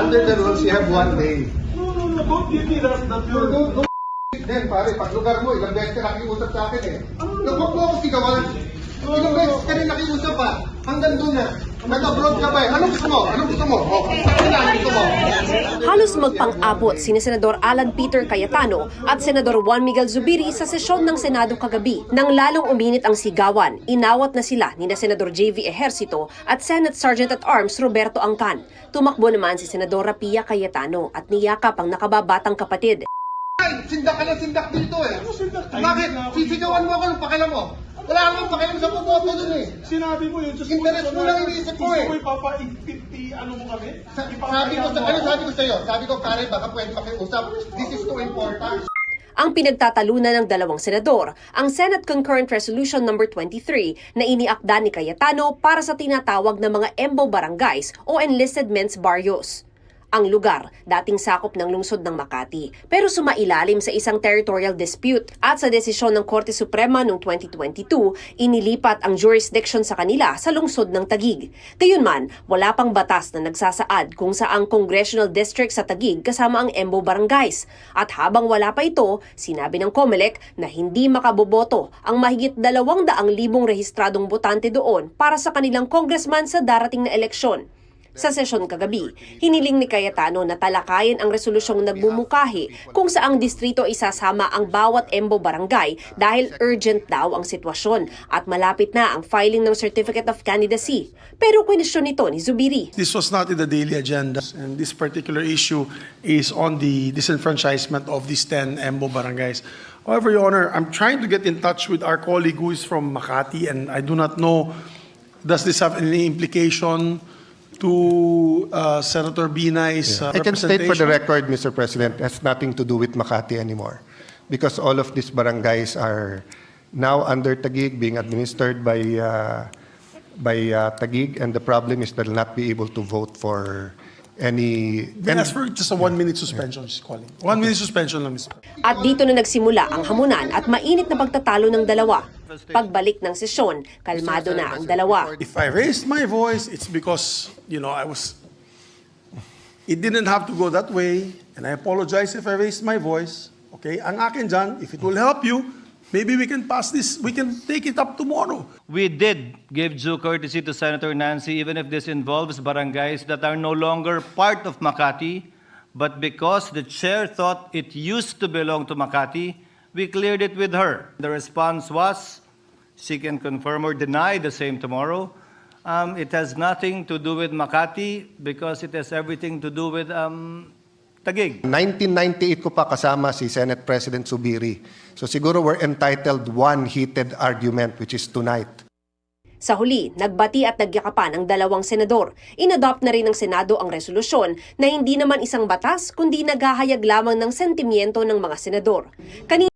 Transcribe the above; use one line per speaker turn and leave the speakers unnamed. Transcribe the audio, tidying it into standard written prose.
under the rules, you have 1 day.
No, don't give me that
No, then, pare, pag lugar mo, ilang beses ka nakiusap sa akin eh. Huwag mo ako sigawan. Ilang beses ka rin nakiusap pa. Hanggang doon na. Nag-abroad ka pa eh. Anong gusto mo? Anong gusto mo? Anong gusto mo?
Halos magpang-abot sina Senador Alan Peter Cayetano at Senador Juan Miguel Zubiri sa sesyon ng Senado kagabi. Nang lalong uminit ang sigawan, inawat na sila ni Senador JV Ejercito at Senate Sergeant at Arms Roberto Angcan. Tumakbo naman si Senadora Pia Cayetano at niyakap ang nakababatang kapatid.
Ay, sindak ka na sindak dito eh. Bakit? Sisigawan mo ako ng pakialam mo. Wala akong pakialam sa pupoto dun eh.
Sinabi mo yun.
Interest mo lang iniisip ko eh.
Gusto mo ipapa-50 ano mo kami?
Sabi ko sa'yo, sabi ko, pare, baka pwede makiusap. This is too important.
Ang pinagtatalunan ng dalawang senador, ang Senate Concurrent Resolution No. 23 na iniakda ni Cayetano para sa tinatawag na mga EMBO barangays o Enlisted Men's Barrios. Ang lugar, dating sakop ng lungsod ng Makati, pero sumailalim sa isang territorial dispute at sa desisyon ng Korte Suprema noong 2022, inilipat ang jurisdiction sa kanila sa lungsod ng Taguig. Gayunman, wala pang batas na nagsasaad kung saang congressional district sa Taguig kasama ang EMBO barangays. At habang wala pa ito, sinabi ng COMELEC na hindi makaboboto ang mahigit 200,000 rehistradong botante doon para sa kanilang congressman sa darating na eleksyon. Sa sesyon kagabi, hiniling ni Cayetano na talakayin ang resolusyong nagbumukahi kung saang distrito isasama ang bawat EMBO barangay dahil urgent daw ang sitwasyon at malapit na ang filing ng Certificate of Candidacy. Pero kwenisyon nito ni Zubiri.
This was not in the daily agenda, and this particular issue is on the disenfranchisement of these 10 EMBO barangays. However, Your Honor, I'm trying to get in touch with our colleague who is from Makati, and I do not know, does this have any implication to Senator Binay's
I can state for the
representation?
record, Mr. President, it has nothing to do with Makati anymore. Because all of these barangays are now under Taguig, being administered by Taguig, and the problem is they'll not be able to vote for any...
Then ask for just a 1-minute suspension, she's calling. 1 minute suspension lang, Mr.
At dito na nagsimula ang hamunan at mainit na pagtatalo ng dalawa. Pagbalik ng sesyon, kalmado na ang dalawa.
If I raised my voice, it's because, it didn't have to go that way, and I apologize if I raised my voice. Okay? Ang akin dyan, if it will help you, maybe we can pass this, we can take it up tomorrow.
We did give due courtesy to Senator Nancy, even if this involves barangays that are no longer part of Makati, but because the chair thought it used to belong to Makati, we cleared it with her. The response was, she can confirm or deny the same tomorrow. It has nothing to do with Makati because it has everything to do with Taguig.
1998 ko pa kasama si Senate President Zubiri. So siguro we're entitled one heated argument, which is tonight.
Sa huli, nagbati at nagyakapan ang dalawang senador. Inadopt na rin ng Senado ang resolusyon na hindi naman isang batas kundi naghahayag lamang ng sentimiento ng mga senador.